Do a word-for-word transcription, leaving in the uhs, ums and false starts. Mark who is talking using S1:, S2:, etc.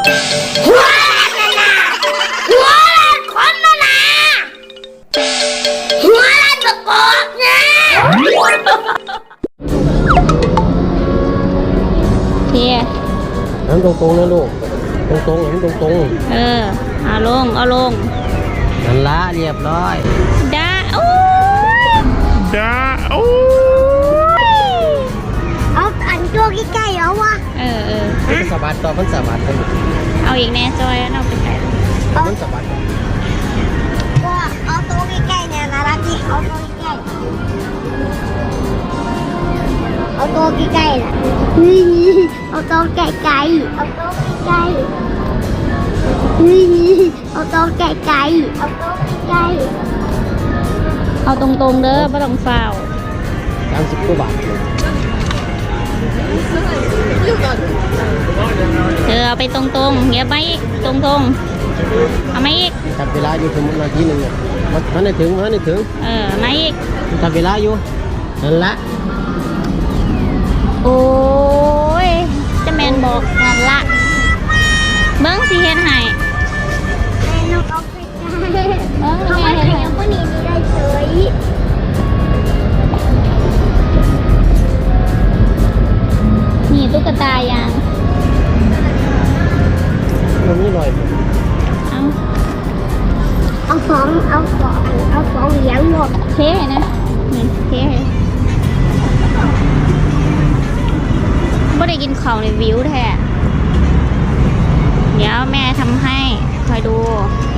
S1: หัวละนะหัวละคนละนะหัวละตะกอกนะ
S2: เพีย
S3: น้ำตรงๆนะลูกตรงๆน้ำตรง
S2: ๆเออเอาลงเอาลง
S3: นั่นละเรียบร้อย
S2: ดาโอ้ย
S3: ดาโอ้
S1: ยเอาอันตัวใกล้ๆเอาวะ
S2: เออเออ
S3: มันสะบัดต่อมันสะบัดกัน
S2: เอาอีกแน่จอยเอาไปใส่
S3: มันสะบัด
S1: ก็เอาตัวใกล้ๆเนี่ยนะรักที่เอาตัวใกล้เอาตัวใกล้ๆน่ะเฮ้ยเอาตัวใกล้ๆเอาตัวใกล้ๆเฮ้ยเอาตัวใกล้ๆเอาตัวใกล้
S2: เอาตรงๆเด้อไม่ต้องฟาว
S3: สามสิบกว่าบาท
S2: เธอเอาไปตรงๆเงียบไปอีกตรงๆเอามาอีก
S3: จับเวลาอยู่ถึงนาทีหนึ่งเนี่ยมันได้ถึงมันได้ถึง
S2: เออมาอีก
S3: จับเวลาอยู่นั่นละ
S2: โอ้ยจะแมนบอกนั่นละเบิ้งสิเฮ็ดให้
S1: แม่นกเอาไปเอาไปขยับก็หนีได้เฉย
S2: นี่ตุ๊กตายาง
S3: มันนี่ลอย
S2: เอา
S1: เอาสองเอาสองเอาสองเหรียญหมด
S2: เท่นะนี่เท่ไม่ได้กินข้าวในวิวแท้เดี๋ยวแม่ทำให้คอยดู